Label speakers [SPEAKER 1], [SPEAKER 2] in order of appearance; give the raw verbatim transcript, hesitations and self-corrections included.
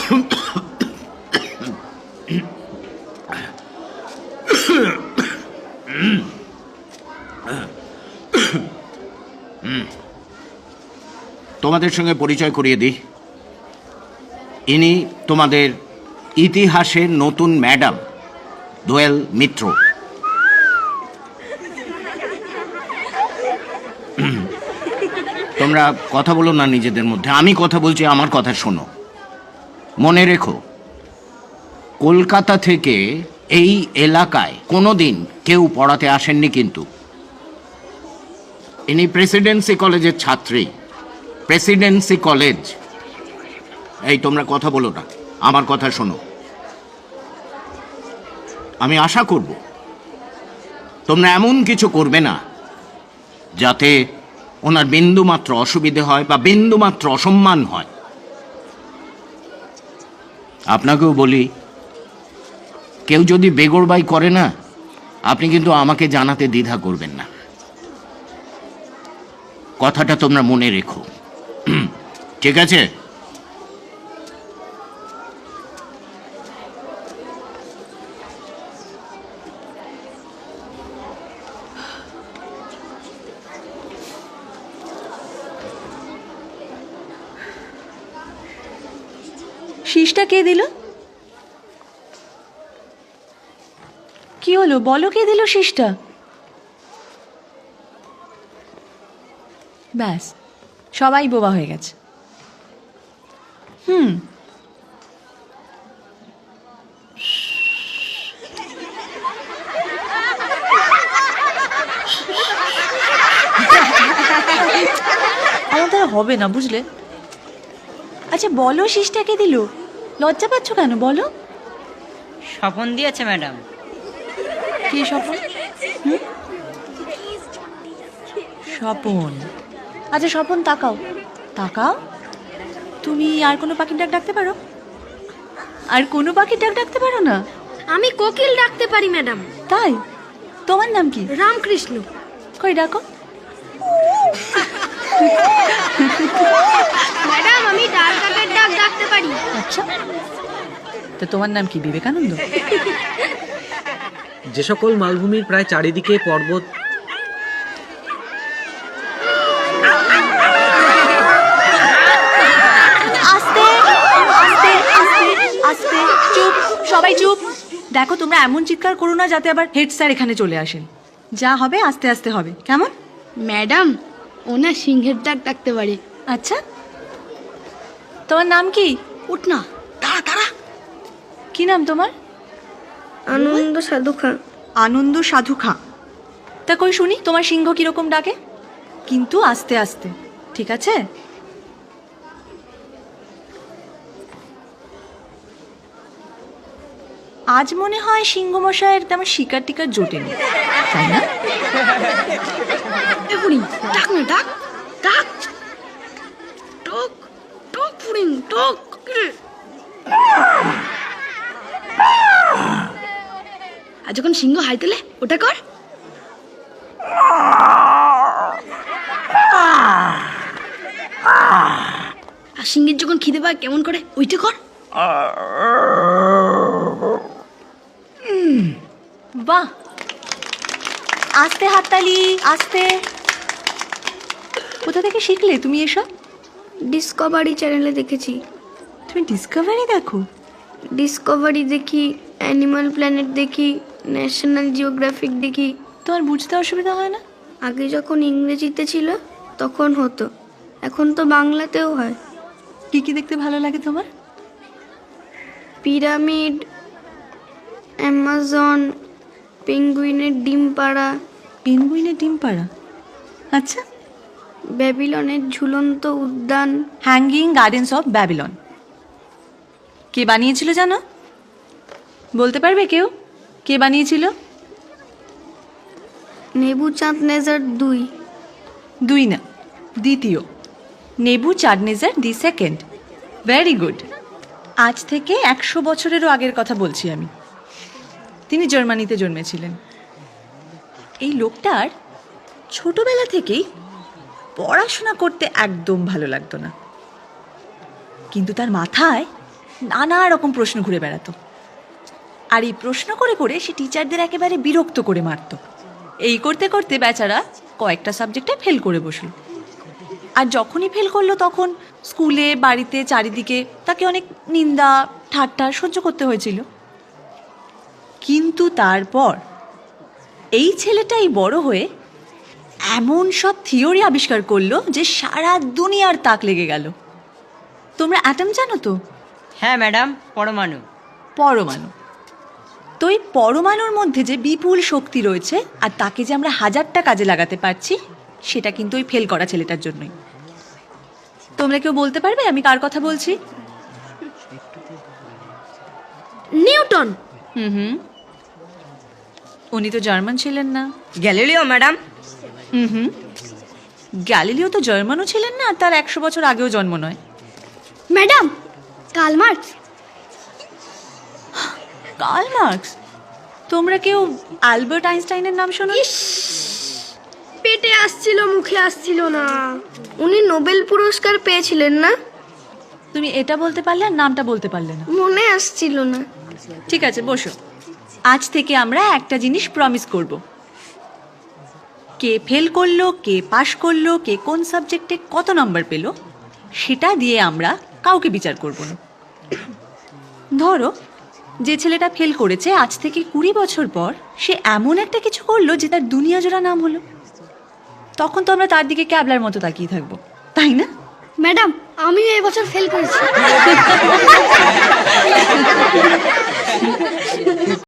[SPEAKER 1] তোমাদের সঙ্গে পরিচয় করিয়ে দিই, ইনি তোমাদের ইতিহাসের নতুন ম্যাডাম দোয়েল মিত্র। তোমরা কথা বলো না নিজেদের মধ্যে, আমি কথা বলছি, আমার কথা শোনো। মনে রেখো, কলকাতা থেকে এই এলাকায় কোনোদিন কেউ পড়াতে আসেননি, কিন্তু ইনি প্রেসিডেন্সি কলেজের ছাত্রী। Presidency college. এই তোমরা কথা বলো না, আমার কথা শোনো। আমি আশা করব তোমরা এমন কিছু করবে না যাতে ওনার বিন্দু মাত্র অসুবিধে হয় বা বিন্দু মাত্র অসম্মান হয়। আপনাকেও বলি, কেউ যদি বেগরবাই করে না, আপনি কিন্তু আমাকে জানাতে দ্বিধা করবেন না। কথাটা তোমরা মনে রেখো, ঠিক আছে?
[SPEAKER 2] শীষটা কে দিল? কি হলো বলো, কে দিল শীষটা? ব্যাস, সবাই বোবা হয়ে গেছে। হুম আমার দ্বারা হবে না, বুঝলে? আচ্ছা বলো, শীষটা কে দিল? লজ্জা পাচ্ছ কেন বলো?
[SPEAKER 3] স্বপন দিয়েছে ম্যাডাম।
[SPEAKER 2] কি স্বপন? স্বপন? আচ্ছা স্বপন, তাকাও তাকাও। তুমি আর কোনো পাখির ডাক ডাকতে পারো? আর কোনো পাখির ডাক ডাকতে পারো না?
[SPEAKER 4] আমি কোকিল ডাকতে পারি ম্যাডাম।
[SPEAKER 2] তাই? তোমার নাম কি?
[SPEAKER 4] রামকৃষ্ণ।
[SPEAKER 2] কই ডাকো।
[SPEAKER 4] ম্যাডাম আমি ডাল কাকের ডাক ডাকতে পারি।
[SPEAKER 2] আচ্ছা, তো তোমার নাম কি? বিবেকানন্দ?
[SPEAKER 5] যে সকল মালভূমির প্রায় চারিদিকে পর্বত,
[SPEAKER 2] আস্তে আস্তে আস্তে আস্তে, চুপ সবাই চুপ। দেখো তোমরা এমন চিৎকার করো না যাতে আবার হেড স্যার এখানে চলে আসেন। যা হবে আস্তে আস্তে হবে, কেমন?
[SPEAKER 4] ম্যাডাম ওনা সিংহের ডাক ডাকতে পারি।
[SPEAKER 2] আচ্ছা, তোমার নাম কি?
[SPEAKER 4] উঠ না, দাঁড়া দাঁড়া।
[SPEAKER 2] কি নাম তোমার?
[SPEAKER 4] আনন্দ সাধু খাঁ।
[SPEAKER 2] আনন্দ সাধু খাঁ। তা কই শুনি তোমার সিংহ কিরকম ডাকে, কিন্তু আস্তে আস্তে, ঠিক আছে? আজ মনে হয় সিংহ মশাইয়ের তেমন শিকার টিকার জোটেনি, তাই না?
[SPEAKER 4] এপুরি ডাক না, ডাক ডাক। টক টক পুরিং টক। আর যখন সিংহ হাই তোলে ওটা কর। আর সিংহের যখন খিদে পায় কেমন করে ওইটা কর।
[SPEAKER 2] বাহ, আস্তে হাততালি, আস্তে। কোথা থেকে শিখলে তুমি এসব?
[SPEAKER 4] ডিসকভারি চ্যানেলে দেখেছি।
[SPEAKER 2] তুমি ডিসকভারি দেখো?
[SPEAKER 4] ডিসকভারি দেখি, অ্যানিমাল প্ল্যানেট দেখি, ন্যাশনাল জিওগ্রাফিক দেখি।
[SPEAKER 2] তোমার বুঝতে অসুবিধা হয় না?
[SPEAKER 4] আগে যখন ইংরেজিতে ছিল তখন হতো, এখন তো বাংলাতেও হয়।
[SPEAKER 2] কি কি দেখতে ভালো লাগে তোমার?
[SPEAKER 4] পিরামিড, অ্যামাজন, পেঙ্গুইনের ডিম পাড়া।
[SPEAKER 2] পেঙ্গুইনের ডিম পাড়া? আচ্ছা।
[SPEAKER 4] ব্যাবিলনের ঝুলন্ত উদ্যান।
[SPEAKER 2] হ্যাঙ্গিং গার্ডেন্স অফ ব্যাবিলন কে বানিয়েছিল জানো? বলতে পারবে কেউ কে বানিয়েছিল?
[SPEAKER 4] নেবুচাঁদনেজার দুই।
[SPEAKER 2] দুই না, দ্বিতীয়। Nebuchadnezzar the second. Very good. আজ থেকে একশো বছরেরও আগের কথা বলছি আমি। তিনি জার্মানিতে জন্মেছিলেন। এই লোকটার ছোটবেলা থেকেই পড়াশোনা করতে একদম ভালো লাগতো না, কিন্তু তার মাথায় নানা রকম প্রশ্ন ঘুরে বেড়াতো। আর এই প্রশ্ন করে করে সে টিচারদের একেবারে বিরক্ত করে মারত। এই করতে করতে বেচারা কয়েকটা সাবজেক্টে ফেল করে বসল। আর যখনই ফেল করলো তখন স্কুলে, বাড়িতে, চারিদিকে তাকে অনেক নিন্দা ঠাট্টা সহ্য করতে হয়েছিল। কিন্তু তারপর এই ছেলেটাই বড় হয়ে এমন সব থিওরি আবিষ্কার করলো যে সারা দুনিয়ার তাক লেগে গেল। তোমরা অ্যাটম জানো তো?
[SPEAKER 3] হ্যাঁ ম্যাডাম, পরমাণু।
[SPEAKER 2] পরমাণু। তো এই পরমাণুর মধ্যে যে বিপুল শক্তি রয়েছে আর তাকে যে আমরা হাজারটা কাজে লাগাতে পারছি, সেটা কিন্তু ওই ফেল করা ছেলেটার জন্যই। তোমরা কেউ বলতে পারবে আমি কার কথা বলছি?
[SPEAKER 4] নিউটন।
[SPEAKER 2] হুম হুম উনি তো জার্মান ছিলেন না।
[SPEAKER 3] Galileo madam.
[SPEAKER 2] হুম হুম গ্যালিলিও তো জার্মানও ছিলেন না, আর তার একশো বছর আগেও জন্ম নয়।
[SPEAKER 4] Madam, Karl Marx.
[SPEAKER 2] Karl Marx? তোমরা কেউ অ্যালবার্ট আইনস্টাইনের নাম শোনো?
[SPEAKER 4] পেটে আসছিল, মুখে আসছিল না। উনি নোবেল পুরস্কার পেয়েছিলেন না?
[SPEAKER 2] তুমি এটা বলতে পারলে আর নামটা বলতে পারলে না।
[SPEAKER 4] মনে আসছিল না।
[SPEAKER 2] ঠিক আছে, বসো। আজ থেকে আমরা একটা জিনিস প্রমিস করব। কে ফেল করলো, কে পাশ করলো, কে কোন সাবজেক্টে কত নাম্বার পেল, সেটা দিয়ে আমরা কাউকে বিচার করব না। ধরো, যে ছেলেটা ফেল করেছে আজ থেকে কুড়ি বছর পর সে এমন একটা কিছু করলো যে তার দুনিয়া জোড়া নাম হলো, তখন তো আমরা তার দিকে ক্যাবলার মতো তাকিয়ে থাকবো, তাই না?
[SPEAKER 4] ম্যাডাম, আমিও এবছর ফেল করেছি।